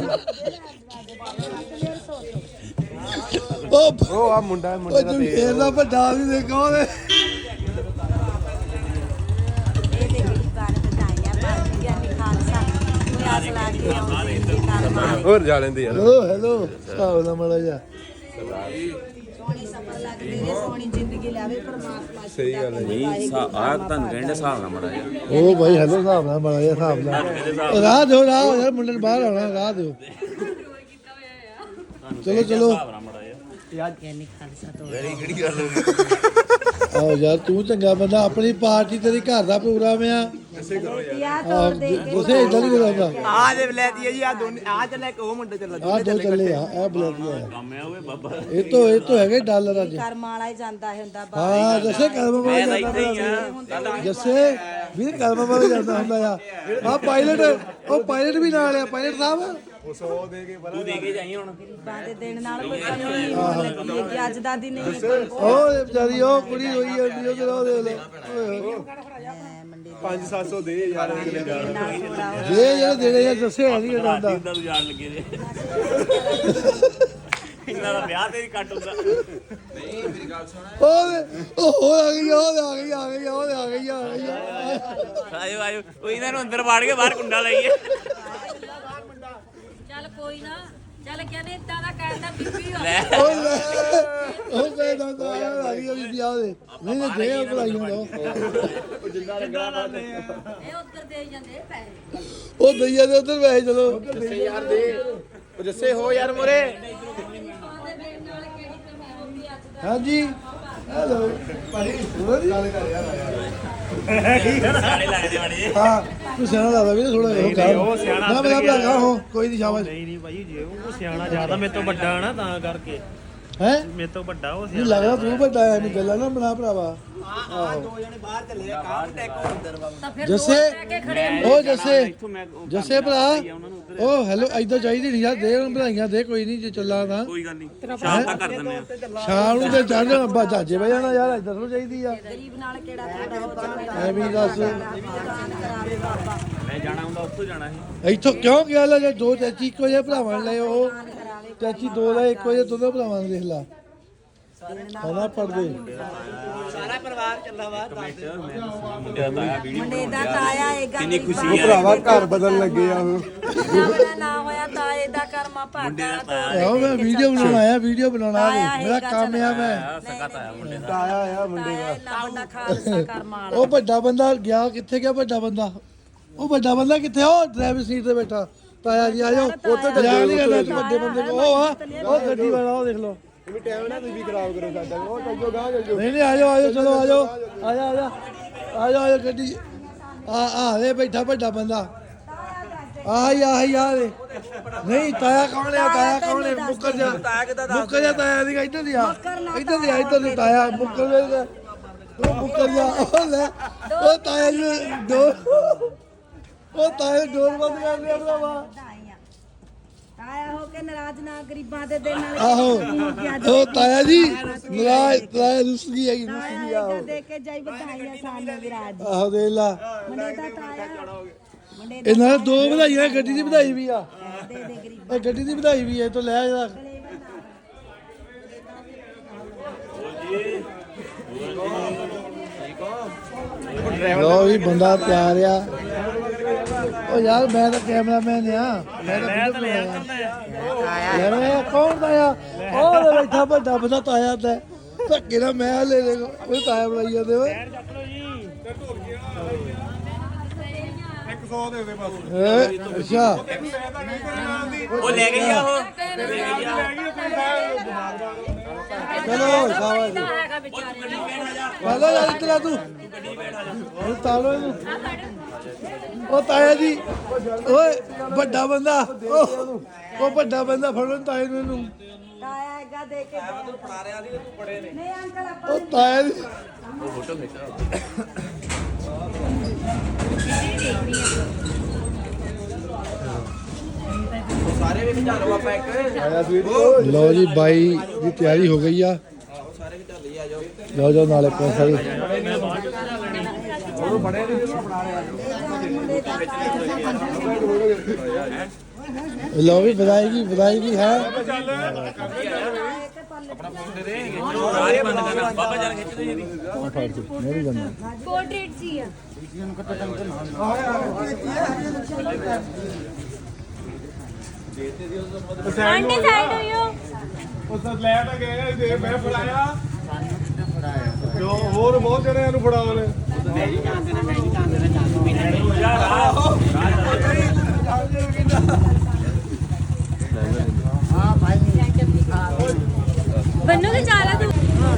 ਉਹ ਆ ਮੁੰਡਾ
ਉਹ ਜਮਸ਼ੇਰ ਦਾ ਵੱਡਾ ਆਦਮੀ ਦੇਖੋ ਉਹਦੇ
ਇਹਦੇ ਗਰੀਬਾਂ ਨੂੰ ਵਧਾਈਆਂ ਭਾਈਆਂ ਨੇ ਖਾਲਸਾ ਕੋਈ ਆਸ ਲਾ ਕੇ ਆਉਂਦੇ ਨੇ ਘਰ
ਹੋਰ ਜਾ ਲੈਂਦੇ ਯਾਰ
ਹੈਲੋ ਹਿਸਾਬ ਨਾਲ ਮਾੜਾ ਜਾ
ਸੋਹਣੀ ਸਫਲ ਲੱਗਦੀ ਰਹੇ ਸੋਹਣੀ ਜ਼ਿੰਦਗੀ ਲਾਵੇ ਪਰਮਾਤਮਾ
ਸਹੀ ਗੱਲ ਹੈ
ਨਹੀਂ ਆਹ ਤੁਹਾਨੂੰ ਕਹਿੰਦੇ ਹਿਸਾਬ ਨਾਲ ਮੜਾ ਯਾਰ
ਉਹ ਬਾਈ ਹੈਲੋ ਹਿਸਾਬ ਨਾਲ ਮਾੜਾ ਜਿਹਾ ਹਿਸਾਬ ਨਾਲ ਰਾਹ ਦਿਓ ਰਾਹ ਯਾਰ ਮੁੰਡੇ ਨੂੰ ਬਾਹਰ ਆਉਣਾ ਰਾਹ ਦਿਓ ਚਲੋ ਚਲੋ
ਗਿਆਨੀ ਖਾਲਸਾ ਤੋਂ
ਕਿਹੜੀ ਗੱਲ ਹੋ ਗਈ
ਆਓ ਯਾਰ ਤੂੰ ਚੰਗਾ ਬੰਦਾ ਆਪਣੀ ਪਾਰਟੀ ਤੇਰੀ ਘਰ ਦਾ ਪ੍ਰੋਗਰਾਮ ਆ
ਯਾ ਤੋੜ ਦੇ ਕੇ
ਤੁਸੀਂ ਇਦਾਂ ਨਹੀਂ ਕਰਾਉਂਦਾ
ਆ ਜੇ ਲੈ ਦਈਏ ਜੀ ਆ ਦੋਨੇ ਆ ਚੱਲੇ ਇੱਕ ਉਹ ਮੁੰਡੇ ਚੱਲ
ਆ ਦੋ ਚੱਲੇ ਆ ਇਹ ਬਲੈਕੀ ਆ
ਕੰਮ ਆ ਓਏ ਬਾਬਾ
ਇਹ ਤੋਂ ਹੈਗੇ ਡਾਲਰ ਅੱਜ
ਕਰਮ ਵਾਲਾ ਹੀ ਜਾਂਦਾ ਹੁੰਦਾ ਬਾ
ਹਾਂ ਜੱਸੇ ਕਰਮ ਵਾਲਾ
ਮੈਂ
ਜਾਂਦਾ
ਇੱਥੇ ਹੀ ਆ
ਜੱਸੇ ਵੀਰ ਕਰਮ ਵਾਲਾ ਜਾਂਦਾ ਹੁੰਦਾ ਆ ਪਾਇਲਟ ਉਹ ਪਾਇਲਟ ਵੀ ਨਾਲ ਆ ਪਾਇਲਟ ਸਾਹਿਬ
ਉਹ 100 ਦੇ ਕੇ
ਤੂੰ ਦੇ ਕੇ ਜਾਈ ਹੁਣ
ਗਰੀਬਾਂ ਦੇ ਦੇਣ ਨਾਲ ਕੋਈ ਕਮੀ ਨਹੀਂ ਹੋਣ ਲੱਗੀ ਹੈ ਕਿ ਅੱਜ ਦਾ ਦਿਨ ਹੀ
ਉਹ ਵਿਚਾਰੀ ਉਹ ਕੁੜੀ ਹੋਈ ਜਾਂਦੀ ਉਹ ਕਿਹੜਾ ਦੇ ਲੈ ਓਏ ਹੋਏ।
ਮੰਡੀ
5-700 ਦੇ ਯਾਰ ਅਗਲੇ ਦਾ
ਨਾਲ ਥੋੜਾ
ਇਹ ਜਿਹੜੇ ਦੇਣੇ ਆ ਜੱਸੇ ਹੈ ਨਹੀਂ ਜਾਂਦਾ
ਇਦਾਂ ਤੂੰ ਜਾਣ ਲੱਗੇ ਜੇ ਇਹਨਾਂ ਦਾ ਵਿਆਹ ਤੇ ਵੀ ਕੱਟ ਹੁੰਦਾ
ਉਹ ਆ ਗਈ ਉਹ ਆ ਗਈ ਆ ਗਈ ਉਹ ਆ ਗਈ ਆ ਗਈ
ਆਇਓ ਆਇਓ ਉਹ ਇਹਨਾਂ ਨੂੰ ਅੰਦਰ ਵਾੜ ਕੇ ਬਾਹਰ ਕੁੰਡਾ ਲਾਈਏ
ਚੱਲ ਕੋਈ ਨਾ ਚੱਲ ਕਹਿੰਦੇ ਇਦਾਂ ਦਾ ਕਹਿੰਦਾ ਬੀਬੀ ਹੋ
ਲੈ
ਉਹ ਲੈ ਉਹ ਕਹਿੰਦਾ ਤਾਂ ਆ ਗਈ ਉਹਦੀ ਵਿਆਹ ਦੇ ਨਹੀਂ ਤੇ ਦੇ ਭਲਾਈਆਂ ਦੋ
ਇਹ ਉੱਧਰ ਦੇ ਜਾਂਦੇ ਪੈਸੇ
ਉਹ ਦਈਆ ਦੇ ਉਧਰ ਵੈਸੇ ਚਲੋ
ਯਾਰ ਦੇ ਉਹ ਜੱਸੇ ਹੋ ਯਾਰ ਮੋਰੇ
ਹਾਂਜੀ ਹੈਲੋ ਭਾਈ ਗੱਲ ਕਰ ਯਾਰ
ਸਾਰੇ ਲੱਗਦੇ ਬੜੇ
ਹਾਂ ਤੂੰ ਸਿਆਣਾ ਲੱਗਦਾ ਵੀ ਥੋੜਾ ਉਹ ਕਰ ਉਹ ਸਿਆਣਾ ਨਾ ਬਲਾ ਹੋ ਕੋਈ ਨਹੀਂ ਸ਼ਾਬਾਸ਼
ਨਹੀਂ ਨਹੀਂ ਭਾਈ ਜੇ ਉਹ ਸਿਆਣਾ ਜ਼ਿਆਦਾ ਮੇਰੇ ਤੋਂ ਵੱਡਾ ਨਾ ਤਾਂ ਕਰਕੇ
ਹੈ
ਮੇਰੇ ਤੋਂ ਵੱਡਾ ਉਹ
ਨਹੀਂ ਲੱਗਦਾ ਤੂੰ ਵੱਡਾ ਐ ਨਹੀਂ ਗੱਲਾਂ ਨਾ ਬਣਾ ਭਰਾਵਾ
ਤਾਂ ਫਿਰ
ਜੱਸੇ
ਲੈ ਕੇ ਖੜੇ
ਉਹ ਜੱਸੇ
ਇੱਥੋਂ ਮੈਂ
ਜੱਸੇ ਭਰਾ ਉਹ ਹੈਲੋ ਐਦਾਂ ਚਾਹੀਦੀ ਨਹੀਂ ਯਾਰ ਦੇ ਉਹਨੂੰ ਵਧਾਈਆਂ ਦੇ ਕੋਈ ਨਹੀਂ ਜੇ ਚੱਲਾ ਤਾਂ
ਕੋਈ ਗੱਲ ਨਹੀਂ ਸ਼ਾਮ ਤੱਕ ਕਰ ਦਿੰਦੇ ਆ
ਸ਼ਾਮ ਨੂੰ ਤੇ ਚੜ ਜਾਣਾ ਬਾਜਾਜੇ ਬਹਿ ਜਾਣਾ ਯਾਰ ਐਦਾਂ ਥੋੜਾ ਚਾਹੀਦੀ ਆ
ਗਰੀਬ ਨਾਲ ਕਿਹੜਾ ਤੁਹਾਡਾ ਹੋ ਜਾਣਾ
ਐਵੇਂ ਦੱਸ
ਕਰਾਵੇ ਬਾਬਾ
ਮੈਂ ਜਾਣਾ ਹੁੰਦਾ ਉੱਥੋਂ ਜਾਣਾ ਸੀ
ਇੱਥੋਂ ਕਿਉਂ ਗਿਆ ਲੈ ਜੇ ਦੋ ਚਾਚੀ ਇੱਕੋ ਜਿਹੇ ਭਰਾਵਾਂ ਲੈ ਉਹ ਚਾਚੀ ਦੋ ਲੈ ਇੱਕੋ ਜਿਹੇ ਦੋਨੋਂ ਭਰਾਵਾਂ ਨੂੰ ਦੇਖ ਲਾ ਹਨਾ ਪੜਦੇ
ਮੁੰਡੇ ਦਾ ਤਾਇਆ ਵੀਡੀਓ
ਮੁੰਡੇ ਦਾ ਤਾਇਆ ਹੈਗਾ
ਕਿੰਨੀ ਖੁਸ਼ੀ
ਉਹ ਭਰਾਵਾ ਘਰ ਬਦਲਣ ਲੱਗੇ ਆ ਉਹ
ਮੇਰਾ ਨਾ ਹੋਇਆ ਤਾਏ ਦਾ ਕਰਮਾ ਭਾਗਾ
ਆਹੋ ਮੈਂ ਵੀਡੀਓ ਬਣਾਉਣ ਆਇਆ ਵੀਡੀਓ ਬਣਾਉਣਾ ਮੇਰਾ ਕੰਮ ਆ ਮੈਂ
ਸਕਾ ਤਾਇਆ ਮੁੰਡੇ ਦਾ
ਆਇਆ ਆ ਮੁੰਡੇ ਦਾ
ਇੰਨਾ ਵੱਡਾ ਖਾਲਸਾ ਕਰਮਾ ਵਾਲਾ
ਉਹ ਵੱਡਾ ਬੰਦਾ ਗਿਆ ਕਿੱਥੇ ਗਿਆ ਵੱਡਾ ਬੰਦਾ ਉਹ ਵੱਡਾ ਬੰਦਾ ਕਿੱਥੇ ਉਹ ਡਰਾਈਵਰ ਸੀਟ ਤੇ ਬੈਠਾ ਤਾਇਆ ਜੀ ਆਜੋ ਉੱਥੇ ਤਾਂ ਨਹੀਂ ਕਰਨਾ ਵੱਡੇ ਬੰਦੇ ਕੋ ਉਹ ਆ ਉਹ ਗੱਡੀ ਵਾਲਾ ਉਹ ਦੇਖ ਲਓ
ਵੀ ਟਾਈਮ ਨਾ ਤੁਸੀਂ ਖਰਾਬ ਕਰੋ ਸਾਡਾ ਉਹ ਚੱਲੋ ਗਾਂ ਚੱਲੋ
ਨਹੀਂ ਨਹੀਂ ਆਜੋ ਆਜੋ ਚਲੋ ਆਜੋ ਆਜਾ ਆਜਾ ਆਜੋ ਆਜੋ ਗੱਡੀ ਆ ਦੇ ਬੈਠਾ ਵੱਡਾ ਬੰਦਾ ਆਹੀ ਆ ਦੇ ਨਹੀਂ ਤਾਇਆ ਕੌਣ ਆ ਤਾਇਆ ਕੌਣ ਹੈ ਮੁੱਕਰ ਜਾ ਤਾਇਆ ਦੀ ਇੱਧਰ ਦੀ ਆ ਇੱਧਰ ਦੀ ਤਾਇਆ ਮੁੱਕਰ ਜਾ ਮੁੱਕਰ ਜਾ ਉਹ ਲੈ ਉਹ ਤਾਇਆ ਜੀ ਤਾਇਆ ਡੋਰ ਬੰਦ ਕਰ ਲਿਆ ਭਰਾਵਾ
ਤਾਇਆ ਹੋ ਕੇ ਨਾਰਾਜ਼ ਨਾ ਗਰੀਬਾਂ ਦੇ ਦੇਣ ਨਾਲ
ਆਹੋ ਉਹ ਤਾਇਆ ਜੀ ਨਾਰਾਜ਼ ਤਾਇਆ ਰੁੱਸ ਗਈ ਹੈਗੀ ਰੁੱਸ ਗਈ ਆਹੋ
ਦੇ ਕੇ ਜਾਈ ਵਧਾਈਆਂ ਸਾਨੂੰ ਵਿਰਾਜ
ਆਹੋ ਦੇ ਲਾ
ਮੁੰਡੇ ਦਾ ਤਾਇਆ ਮੁੰਡੇ
ਇਹਨਾਂ ਦੋ ਵਧਾਈਆਂ ਗੱਡੀ ਦੀ ਵਧਾਈ ਵੀ ਆ
ਦੇ ਦੇ ਗਰੀਬ
ਇਹ ਗੱਡੀ ਦੀ ਵਧਾਈ ਵੀ ਹੈ ਤੋਂ ਲੈ ਜਾ ਲੋ ਵੀ ਬੰਦਾ ਤਿਆਰ ਆ ਉਹ ਯਾਰ ਮੈਂ ਤਾਂ ਕੈਮਰਾਮੈਨ ਆ ਮੈਂ ਤਾਂ
ਲੈ ਅੰਕਲ
ਯਾਰ ਇਹ ਕੌਣ ਤਾਇਆ ਉਹ ਲੈ ਬੈਠਾ ਵੱਡਾ ਬੰਦਾ ਤਾਇਆ ਤੇ ਧੱਕੇ ਨਾਲ ਮੈਂ ਲੈ ਲੈ ਉਹ ਤਾਇਆ ਬਣਾਈ ਜਾਂਦੇ ਓਏ
ਚੱਕ ਲਓ ਜੀ
100 ਦੇ ਦੇ ਬਸ
ਅੱਛਾ
ਉਹ ਲੈ ਗਈ ਆ ਉਹ
ਚਲੋ ਸ਼ਾਬਾਸ਼ ਵਾਲਾ ਯਾਰ ਇਤਨਾ ਤੂੰ ਉਹ ਤਾਲੋ ਇਹਨੂੰ ਉਹ ਤਾਇਆ ਜੀ ਓਏ ਵੱਡਾ ਬੰਦਾ ਉਹ ਵੱਡਾ ਬੰਦਾ ਫੜੋ ਤਾਏ ਨੂੰ ਇਹਨੂੰ
ਤਾਇਆ ਹੈਗਾ ਦੇ ਕੇ ਤੂੰ ਫੜਾ ਰਿਆ ਦੀ ਤੂੰ ਬੜੇ ਨੇ ਨਹੀਂ ਅੰਕਲ ਆਪਾਂ
ਉਹ ਤਾਇਆ ਜੀ
ਫੋਟੋ ਖਿੱਚਾ
ਸਾਰੇ ਵੀ ਖਿਚਾ ਲਓ ਆਪਾਂ ਇੱਕ
ਲਓ ਜੀ ਬਾਈ ਦੀ ਤਿਆਰੀ ਹੋ ਗਈ ਆ
ਸਾਰੇ ਖਿਚਾ ਲਈ ਆ ਜਾਓ
ਲਓ ਜਾਓ ਨਾਲੇ ਪੈਸਾ ਵੀ ਲਓ ਵੀ ਵਧਾਈ ਵੀ ਹੈ
ਸਾਰੇ ਬੰਦ ਕਰਨਾ ਬਾਬਾ ਜਨ ਖਿੱਚ ਦੇ ਜੀ
ਮੇਰੀ ਗੱਲ
ਪੋਰਟਰੇਟ ਸੀ ਆ ਆਂਟੀ ਸਾਈਡ ਹੋਇਓ
ਉਸ ਲੈ ਤਾਂ ਗਏ ਆ ਦੇ ਮੈਂ ਫੜਾਇਆ ਜੋ ਹੋਰ ਬਹੁਤ ਜਣੇ ਇਹਨੂੰ ਫੜਾਉ ਨੇ
ਬੰਨੂ ਕੇ ਚਾਲਾ ਤੂੰ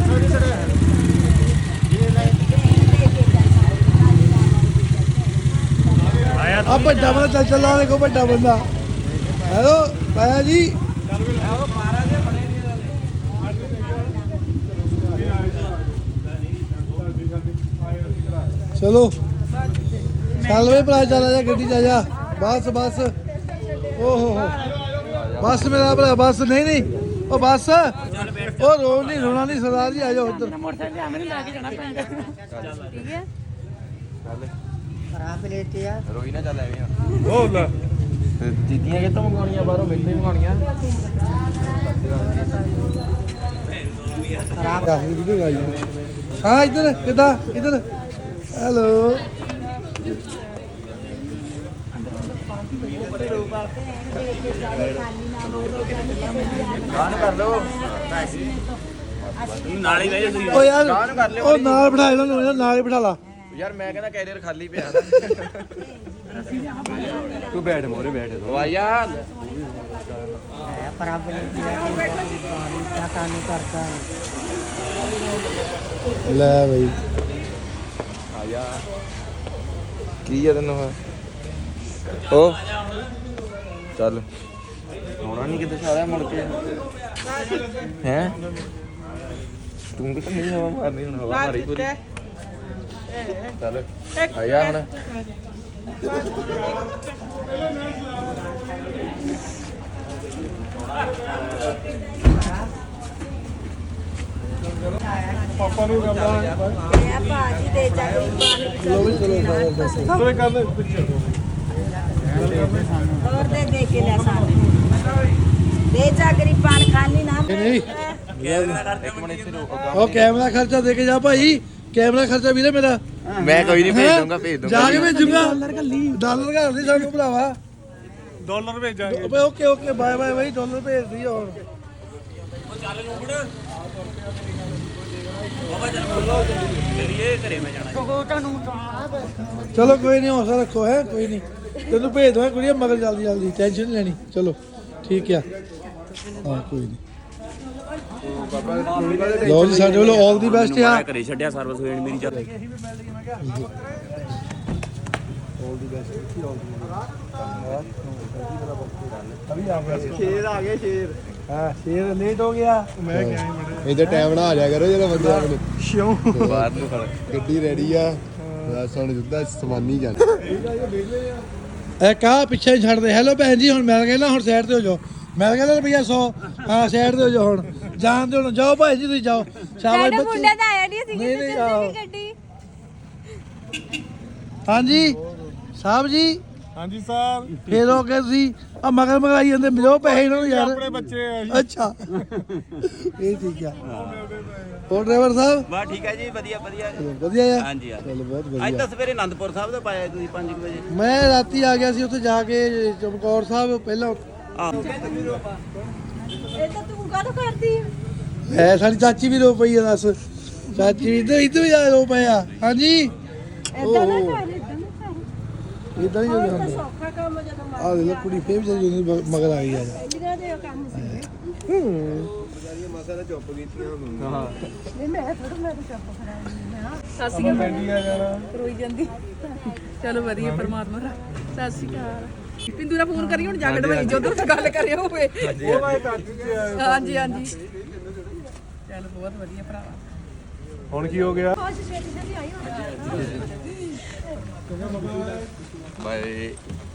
ਆ ਵੱਡਾ ਬੰਦਾ ਚੱਲ ਚੱਲਾ ਦੇਖੋ ਵੱਡਾ ਬੰਦਾ ਹੈਲੋ ਤਾਇਆ ਜੀ ਚਲੋ ਚੱਲ ਵੇ ਭਰਾ ਚੱਲ ਜਾ ਗੱਡੀ ਚ ਆ ਜਾ ਬਸ ਓਹ ਹੋ ਬਸ ਮੇਰਾ ਭਰਾ ਬਸ ਨਹੀਂ ਉਹ ਬਸ ਉਹ ਰੋਣਾ ਨਹੀਂ ਸਰਦਾਰ ਜੀ ਆ ਜਾਓ ਉੱਧਰ
ਮੋਟਰਸਾਈਕਲ ਤੇ ਆਵੇਂ ਲੈ ਕੇ ਜਾਣਾ ਪੈਂਦਾ
ਠੀਕ ਹੈ
ਰੋਈ ਨਾ ਚੱਲ ਐਵੇਂ
ਉਹ ਲੈ
ਚੀਤੀਆਂ ਕਿਤੋਂ ਮੰਗਾਉਣੀਆਂ ਬਾਹਰੋਂ ਮਿਲਦੇ ਮੰਗਾਉਣੀਆਂ
ਹਾਂ ਇੱਧਰ ਕਿੱਦਾਂ ਇੱਧਰ ਹੈਲੋ
ਗਾਣ ਕਰ ਲਓ
ਨਾਲ ਹੀ ਬਹਿ ਜਾ ਤੁਸੀਂ
ਉਹ ਯਾਰ
ਗਾਣ ਕਰ ਲਿਓ
ਉਹ ਨਾਲ ਬਿਠਾ ਇਹਨਾਂ ਨੂੰ ਨਾਲ ਹੀ ਬਿਠਾ ਲਾ
ਯਾਰ ਮੈਂ ਕਹਿੰਦਾ ਕੈਰੀਅਰ ਖਾਲੀ ਪਿਆ ਤੂੰ ਬੈਠ ਮੋਰੇ ਬੈਠ ਉਹ ਆ ਯਾਰ
ਲੈ ਬਈ
ਆ ਜਾ ਕੀ ਆ ਤੈਨੂੰ ਉਹ ਚੱਲ ਹੋਣਾ ਨਹੀਂ ਕਿਤੇ ਸਾਰਾ ਮੁੜ ਕੇ ਹੈ ਤੂੰ ਕਿਤੇ ਨਹੀਂ ਹਵਾ ਮਾਰਨੀ ਹੁਣ ਹਵਾ ਮਾਰੀ ਪੂਰੀ ਚੱਲ ਆ ਜਾ ਹੁਣ
ਪਾਪਾ ਨੂੰ ਕਰਦਾ
ਇਹ ਭਾਜੀ ਦੇ ਜਾ
ਚਲੋ ਵੀ ਚਲੋ ਸਾਰਾ
ਦੋਵੇਂ ਕਰ ਲੈ ਪਿੱਛੇ
ਹੋਰ ਦੇ ਕੇ ਲੈ ਸਾਨੂੰ ਦੇ ਜਾ ਗਰੀਬਾਂ ਖਾਲੀ ਨਾ
ਨਹੀਂ
ਇੱਕ ਮਿੰਟ ਇੱਥੇ ਰੁਕ
ਉਹ ਕੈਮਰਾ ਖਰਚਾ ਦੇ ਕੇ ਜਾ ਭਾਈ ਕੈਮਰਾ ਖਰਚਾ ਵੀਰੇ ਮੇਰਾ
ਮੈਂ ਕੋਈ ਨਹੀਂ
ਹੈਂ?
ਭੇਜ ਦੂੰਗਾ
ਜਾ ਕੇ ਭੇਜੂਗਾ ਡਾਲਰ ਘਰ ਦੀ ਸਾਨੂੰ ਭਰਾਵਾ
ਡਾਲਰ ਭੇਜਾਂਗੇ
ਓਕੇ ਬਾਏ ਬਾਈ ਡਾਲਰ ਭੇਜ ਦੀ ਹੋਰ
ਚਲੀਏ ਘਰੇ ਮੈਂ ਜਾਣਾ
ਚਲੋ ਕੋਈ ਨਹੀਂ ਹੌਸਲਾ ਰੱਖੋ ਹੈ ਕੋਈ ਨਹੀਂ ਤੈਨੂੰ ਭੇਜ ਦਵਾਂ ਕੁੜੀਏ ਮਗਰ ਜਲਦੀ ਟੈਨਸ਼ਨ ਨਹੀਂ ਲੈਣੀ ਚਲੋ ਠੀਕ ਆ ਹਾਂ ਕੋਈ ਨਹੀਂ ਲੋ ਜੀ ਸਾਡੇ ਵੱਲੋਂ ਆਲ ਦੀ ਬੈਸਟ ਆ
ਮੈਂ ਘਰੇ ਛੱਡਿਆ ਸਰਵਿਸ ਹੋਈ ਮੇਰੀ ਚੱਲ
ਹਾਂ ਸ਼ੇਰ ਲੇਟ ਹੋ ਗਿਆ
ਮੈਂ ਕਿਹਾ ਹੀ ਬੜੇ
ਇਹਦੇ ਟਾਈਮ ਨਾਲ ਆ ਜਾ ਕਰੋ ਜਦੋਂ ਬੰਦੇ ਆਉਣ
ਕਿਉਂ
ਬਾਹਰ ਨੂੰ ਖੜ
ਗੱਡੀ ਰੈਡੀ ਆ ਬਸ ਹੁਣ ਜਿੱਦਾਂ ਸਮਾਨੀ ਜਾਣਾ
ਇਹ ਕਾ ਪਿੱਛੇ ਹੀ ਛੱਡ ਦੇ ਹੈਲੋ ਭੈਣ ਜੀ ਹੁਣ ਮਿਲ ਗਏ ਨਾ ਹੁਣ ਸਾਈਡ ਤੇ ਹੋ ਜਾਓ ਮਿਲ ਗਿਆ ਨਾ ਰੁਪਈਆ 100 ਹਾਂ ਸਾਈਡ ਤੇ ਹੋ ਜਾਓ ਹੁਣ ਜਾਣ ਦਿਓ ਹੁਣ ਜਾਓ ਭਾਈ ਜੀ ਤੁਸੀਂ ਜਾਓ ਸ਼ਾਬਾਸ਼
ਸਾਡਾ
ਬੱਚੇ
ਮੁੰਡਾ ਤਾਂ ਆਇਆ ਨਹੀਂ ਸੀ
ਨਹੀਂ,
ਕਿਤੇ
ਆਹੋ।
ਗੱਡੀ
ਹਾਂਜੀ ਸਾਹਿਬ ਜੀ
ਹਾਂਜੀ ਸਰ
ਫੇਰ ਹੋ ਗਏ ਤੁਸੀਂ ਆ ਮਗਰ ਮਗਾਈ ਜਾਂਦੇ ਮਿਲੋ ਪੈਸੇ ਇਹਨਾਂ ਨੂੰ ਯਾਰ
ਆਪਣੇ ਬੱਚੇ ਆ ਜੀ
ਅੱਛਾ ਇਹ ਠੀਕ ਆ ਹੋਰ ਡਰਾਈਵਰ ਸਾਹਿਬ
ਬਾ ਠੀਕ ਹੈ ਜੀ, ਵਧੀਆ ਵਧੀਆ।
ਚਲੋ ਵਧੀਆ ਆ
ਹਾਂਜੀ ਹਾਂਜੀ।
ਚਲੋ ਬਹੁਤ
ਅੱਜ
ਵਧੀਆ।
ਤਾਂ ਸਵੇਰੇ ਆਨੰਦਪੁਰ ਸਾਹਿਬ ਦਾ ਪਾਇਆ ਤੁਸੀਂ 5 ਵਜੇ।
ਮੈਂ ਰਾਤੀ ਆ ਗਿਆ ਸੀ ਉੱਥੇ ਜਾ ਕੇ ਚਮਕੌਰ ਸਾਹਿਬ ਪਹਿਲਾਂ
ਇਹ ਤਾਂ ਤੂੰ ਕਾਹਦੋਂ ਕਰਦੀ ਆ?
ਹੈ ਸਾਡੀ ਚਾਚੀ ਵੀ ਰੋ ਪਈ ਆ ਦੱਸ ਚਾਚੀ ਇੱਧਰ ਵੀ ਆ ਰੋ ਪਏ ਆ ਹਾਂਜੀ
ਏਦਾਂ ਨਾ ਕਰ, ਏਦਾਂ ਨਾ ਕਰ।
ਇਦਾਂ ਹੀ
ਹੋਰ
ਹੋ
ਤਾਂ
ਜਾਂਦਾ
ਸੌਖਾ ਕੰਮ ਆ ਜਦੋਂ
ਆ ਲੈ ਕੁੜੀ ਫੇਰ ਵੀ ਜਿਹੜੀ ਮਗਰ ਆ ਗਈ ਆ
ਪਹਿਲੀਆਂ ਦੇ ਕੰਮ ਸੀ।
ਮਾਸਾ ਦਾ ਚੁੱਪ ਕੀਤੀਆਂ ਹੁਣ
ਨਹੀਂ ਮੈਂ ਥੋੜਾ ਮੈਂ ਤਾਂ ਚੁੱਪ ਕਰਾਂਗੀ ਹਾਂ।
ਆਪਾਂ ਬੈਂਡੀਆਂ ਜਾਣਾ
ਰੋਈ ਜਾਂਦੀ।
ਚਲੋ ਵਧੀਆ ਪਰਮਾਤਮਾ ਦਾ। ਸਤਿ ਸ਼੍ਰੀ ਅਕਾਲ। ਪਿੰਦੂ ਦਾ ਫੋਨ ਕਰੀ ਹੁਣ ਜਾ ਕੇ ਢਵਾਈ ਜਦੋਂ ਤੇ ਗੱਲ ਕਰਿਆ ਹੋਵੇ।
ਉਹ ਮੈਂ ਕਰ ਦਿੱਤੀ ਆ।
ਹਾਂਜੀ ਹਾਂਜੀ ਚਲ ਬਹੁਤ ਵਧੀਆ ਭਰਾਵਾ।
ਹੁਣ ਕੀ ਹੋ ਗਿਆ?
ਛੇਤੀ ਛੇਤੀ ਆਈ ਹੁਣ।
ਬਾਏ।